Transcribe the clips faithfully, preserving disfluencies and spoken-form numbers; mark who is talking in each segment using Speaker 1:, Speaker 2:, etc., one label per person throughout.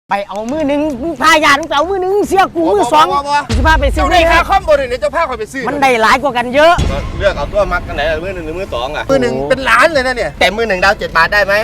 Speaker 1: ไปเอามือหนึ่งพายาต้องเอามือหนึ่งเสียกูมือสองสิพาไปซื้อ
Speaker 2: เจ้าได้ค่าคอมบริเนี่ยเจ้าพาคอยไปซื้อ
Speaker 1: มันได้หลายกว่ากันเยอะ
Speaker 3: เลือกเอาตัวมักกันไหนมือหนึ่งหรือมือสองอ่ะ
Speaker 2: มือหนึ่งเป็นล้านเลยนะเนี่ย
Speaker 3: แต่มือหนึ่งดาวเจ็ดบาทได้ไหม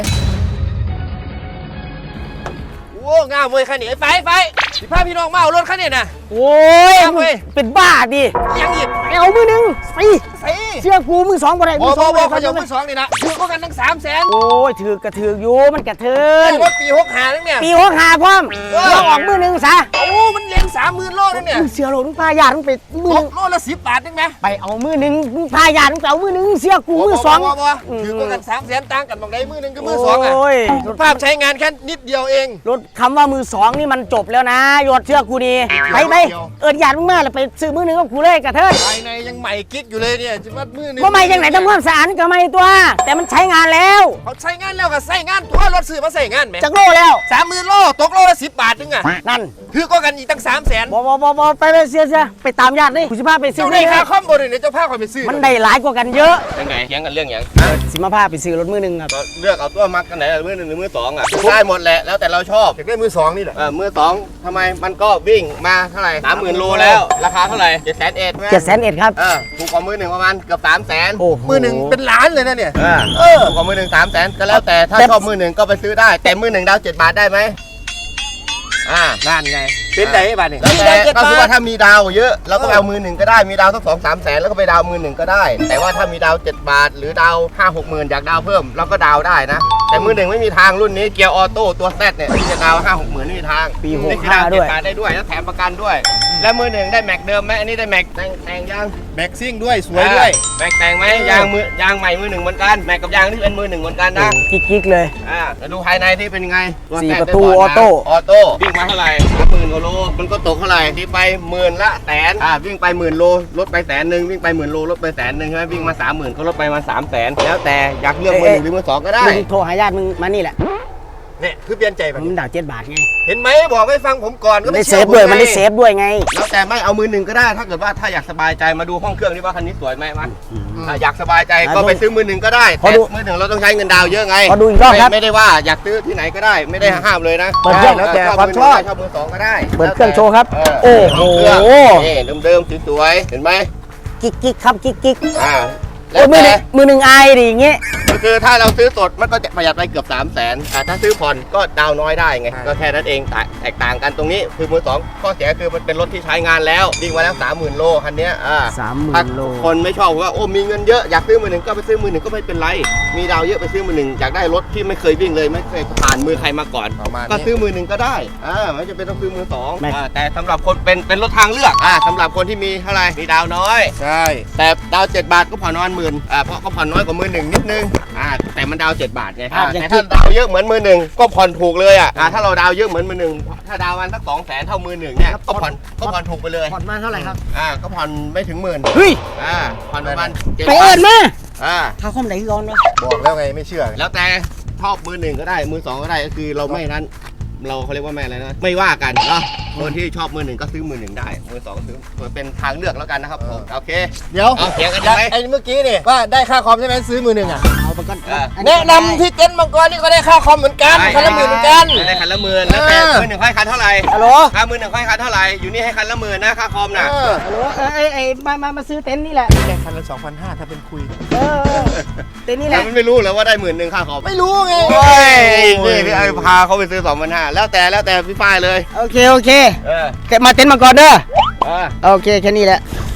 Speaker 2: โอ้งามเว้ยคันนี้ไฟไฟสิพาพี่น้องมาเอารถคันนี้นะ
Speaker 1: โอ้ยเป็นบ้าดิ
Speaker 2: ยังอีก
Speaker 1: ไปเอามือหนึ่งสิเชื่อกูมือสองบ่ได้
Speaker 2: มือสองบ่เขาจะมือสองนี่นะถือก็กันทั้งสามแสน
Speaker 1: โอ้ยถือกระถืออยู่มันกระเทิน
Speaker 2: ว่าปีหกหานั่นเนี่ย
Speaker 1: ปีหกหาพร้อมเราออกมือหนึ่งซะ
Speaker 2: โอ้มันเลี้ยงสามหมื่นโลนั่นเนี่ย
Speaker 1: เสียโลต้องพายาต้องไปมือ
Speaker 2: โลละสิบบาทนึงไหม
Speaker 1: ไปเอามือหนึ่งพายาต้องเอามือหนึ่งเสียกูมือสอง
Speaker 2: ถือก็กันสามแสนต่างกันบางใดมือหนึ่งก็มือสองอ่ะภาพใช้งานแค่นิดเดียวเอง
Speaker 1: รถคำว่ามือสองนี่มันจบแล้วนะยอดเชื่อกูดีไปไปเอิญญาติมึงมาแล้วไปซื้อมือหนึ่งกับกูเลยกระเทิน
Speaker 2: ภายในยังใหม่กิ๊กอยู่เลยเนี่ยจะว่ามือหนึ่ง
Speaker 1: ก็ไม่ยังไหนทำความสะอาดก็ไม่ตัวแต่มันใช้งานแล้ว
Speaker 2: เขาใช้งานแล้วก็ใช้งานตัวรถซื้อมาใช้งานไหม
Speaker 1: จากโลแล้ว
Speaker 2: สามหมื่นโลตกโลละสิบบาทนึงอ่ะ
Speaker 1: นั่น
Speaker 2: ถือก็กันอีกตั้งสามแสน
Speaker 1: บอบอบอบอไปไปเสียเสียไปตามญาตินี่กูจะพาไปซื้อ
Speaker 2: เจ้าได้ค่าคอมบริเนี่ยเจ้าพาคอยไปซื้อ
Speaker 1: มันได้หลายกว่ากันเยอะ
Speaker 3: ยังไงเถียงกันเรื่องอย่าง
Speaker 1: สิมาพาไปซื้อรถมือหนึ่งครับ
Speaker 3: เลือกเอาตัวมักกันไหนมือหนึ่งหรือมือสองอ่ะได้หมดแหละแล้วแต่เราชอบ
Speaker 2: อยากได้มือสองนี่แหละ
Speaker 3: มือสองทำไมมันก็วิ่งมาเท่าไหร่สามหมื่นโลแล้วราคาเท่าไหร่เจ็ดแสนเอ็ด
Speaker 1: เจ็ดแสนเอ็ดครับ
Speaker 3: เออถูกกว่ามือหนึ่งประมาณเกือบสามแสน
Speaker 2: มือหนึ่งเป็นล้านเลยนะเนี่ย
Speaker 3: เออถูกกว่ามือหนึ่งสามแสนก็แล้วแต่ถ้าชอบมือหนึ่งก็ไปซื้อได้แต่มือหนึ่งดาวเจ็ดบาทได้ไหมอ่า
Speaker 2: นั่นไงเป็นไหนบ้านนี่
Speaker 3: ก็คือว่าถ้ามีดาวเยอะเราก็เอามือหนึ่งก็ได้มีดาวสักสองสามแสนแล้วก็ไปดาวมือหนึ่งก็ได้แต่ว่าถ้ามีดาวเจ็ดบาทหรือดาวห้าหกหมื่นอยากดาวเพิ่มเราก็ดาวได้นะแต่มือหนึ่งไม่มีทางรุ่นนี้เกียร์ออโต้ตัวแซดเนี่ยที่จะดาวห้าหกหมื่นไม่มีทาง
Speaker 1: ปีหกห้าด้วย
Speaker 3: ได้ด้วยแล้วแถมประกันด้วยแล้วมือหนึ่งได้แม็กเดิมไหมอันนี้ได้แม็กแต่งแต่งยาง
Speaker 2: แม็กซิ่งด้วยสวยด้วย
Speaker 3: แม็กแต่งไหมยางมือยางใหม่มือหนึ่งเหมือนกันแม็กกับยางที่เป็นมือหนึ่งเหมือนกันนะ
Speaker 1: กิ๊กๆเลย
Speaker 3: อ่าแล้วดูภายในที่เป็นไง
Speaker 1: สี่ประตูออโต้
Speaker 3: ออโต้วิ่งมาเท่าไหร่หมื่นโลมันก็ตกเท่าไหร่ที่ไปหมื่นละแสนอ่าวิ่งไปหมื่นโลลดไปแสนหนึ่งวิ่งไปหมื่นโลลดไปแสนหนึ่งใช่ไหมวิ่งมาสามหมื่นก็ลดไปมาสามแสนแล้วแต่อยากเลือกมือหนึ่งหรือมือสองก็ได้
Speaker 1: มึงโทรหาญาติมึงมานี่แหละ
Speaker 2: เนี่ยคือเปลี่ยนใจ
Speaker 1: มันดาวเจ็ดบาทไง
Speaker 2: เห็นไหมบอกให้ฟังผมก่อนก็
Speaker 1: ได้เซฟด้วยมันได้เซฟด้วยไง
Speaker 3: แล้วแต่ไม่เอามือหนึ่งก็ได้ถ้าเกิดว่าถ้าอยากสบายใจมาดูห้องเครื่องนี่ว่าคันนี้สวยไหมมั้ยอยากสบายใจก็ไปซื้อมือหนึ่งก็ได้แต่มือหนึ่งเราต้องใช้เงินดาวเยอะไง
Speaker 1: พอดูอีกรอบครับ
Speaker 3: ไม่ได้ว่าอยากซื้อที่ไหนก็ได้ไม่ได้ห้ามเลยนะ
Speaker 1: เปิดเครื่อง
Speaker 3: แล้วแต่ความชอบชอบมือสองก็ได้
Speaker 1: เปิดเครื่องโชว์ครับโอ้โห
Speaker 3: นี่เดิมๆสวยๆเห็นไหม
Speaker 1: กิ๊กกิ๊กครับกิ๊กกิ๊ก
Speaker 3: อ่า
Speaker 1: แล้วมือหนึ่งมือหนึ่งไอดิอย่างเงี้ย
Speaker 3: คือถ้าเราซื้อสดมันก็จะประหยัดไปเกือบสามแสนถ้าซื้อผ่อนก็ดาวน้อยได้ไงก็แค่นั้นเองแตกต่างกันตรงนี้คือมือสองข้อเสียคือมันเป็นรถที่ใช้งานแล้ววิ่งมาแล้วสามหมื่นโลคันนี้อ่า
Speaker 1: สามหมื่นโล
Speaker 3: คนไม่ชอบว่าโอ้มีเงินเยอะอยากซื้อมือหนึ่งก็ไปซื้อมือหนึ่งก็ไม่เป็นไรมีดาวเยอะไปซื้อมือหนึ่งอยากได้รถที่ไม่เคยวิ่งเลยไม่เคยผ่านมือใครมาก่อนก็ซื้อมือหนึ่งก็ได้อ่าไม่จำเป็นต้องซื้อมือสองแต่สำหรับคนเป็นเป็นรถทางเลือกอ่าสำหรับคนที่มีเท่าไหร่มีดาวน้อย
Speaker 2: ใช่
Speaker 3: แต่ดาวเจ็ดบาทก็ผ่อนนอนหมื่นอ่าเพราะก็ผ่อนน้อยกว่ามือหนึ่งนิดนึงอ่าแต่มันดาวเจ็ดบาทไงแต่ถ้าดาวเยอะเหมือนมือหนึ่งก็ผ่อนถูกเลยอ่ะถ้าเราดาวเยอะเหมือนมือหนึ่งถ้าดาวมันสักสองแสนเท่ามือหนึ่งเนี่ยก็ผ่อนก็ผ่อนถูกไปเลย
Speaker 1: ผ่อนมาเท่าไหร่ครับ
Speaker 3: อ่าก็ผ่อนไม่ถึงหมื่น
Speaker 1: เฮ้ย
Speaker 3: อ่าผ่อนประมาณ
Speaker 1: ไปเอิญมา
Speaker 3: อ่า
Speaker 1: ถ้าคอมไหนก่อนเนาะ
Speaker 2: บอกแล้วไงไม่เชื่อ
Speaker 3: แล้วแต่ชอบมือหนึ่งก็ได้มือสองก็ได้ก็คือเราไม่นั้นเราเขาเรียกว่าแม่อะไรนะไม่ว่ากันเนาะคนที่ชอบมือหนึ่งก็ซื้อมือหนึ่งได้มือสองก็ซื้อเป็นทางเลือกแล้วกันนะครับผมโอเค
Speaker 2: เดี๋ยว
Speaker 3: เอาเถียงกันยังไง
Speaker 2: ไอ้เมื่อกี้นี่ว่าได้ค่าคอมใช่ไหมซื้อมือหนึ่งอ่ะ
Speaker 1: เอาไปก่อน
Speaker 2: แนะนำที่เต็นท์มังกรนี่ก็ได้ค่าคอมเหมือนกันคันละหมื่นเหมือนกัน
Speaker 3: ได้คันละหมื่นแล้วแต่มือหนึ่งให้คันเท่าไหร่
Speaker 1: ฮัลโหล
Speaker 3: ค่ามือหนึ่งให้คันเท่าไหร่อยู่นี่ให้คันละหมื่นนะค่าคอมนะ
Speaker 1: ฮัลโหลไอ้ไอ้มามามาซื้อเต็นท์นี่แหละ
Speaker 2: ได้คันละสองพันห้าถ้าเป็นคุย
Speaker 1: เออเต็นท์นี่แหละ
Speaker 3: มันไม่รู้แล้วว่าได้หมื่นหนึ่งค่าคอม
Speaker 2: ไม่รู้ไง
Speaker 3: โอ้ยนี่พี่ไอ้พาเขาไปซื้อสองพันห้าแล้วแต่แล้วแต่พี่ฝ้ายเลย
Speaker 1: โอเคโอเค
Speaker 3: เออ
Speaker 1: มาเต็นท์มาก่อนเด้อ
Speaker 3: เออ
Speaker 1: โอเคแค่นี้แหละ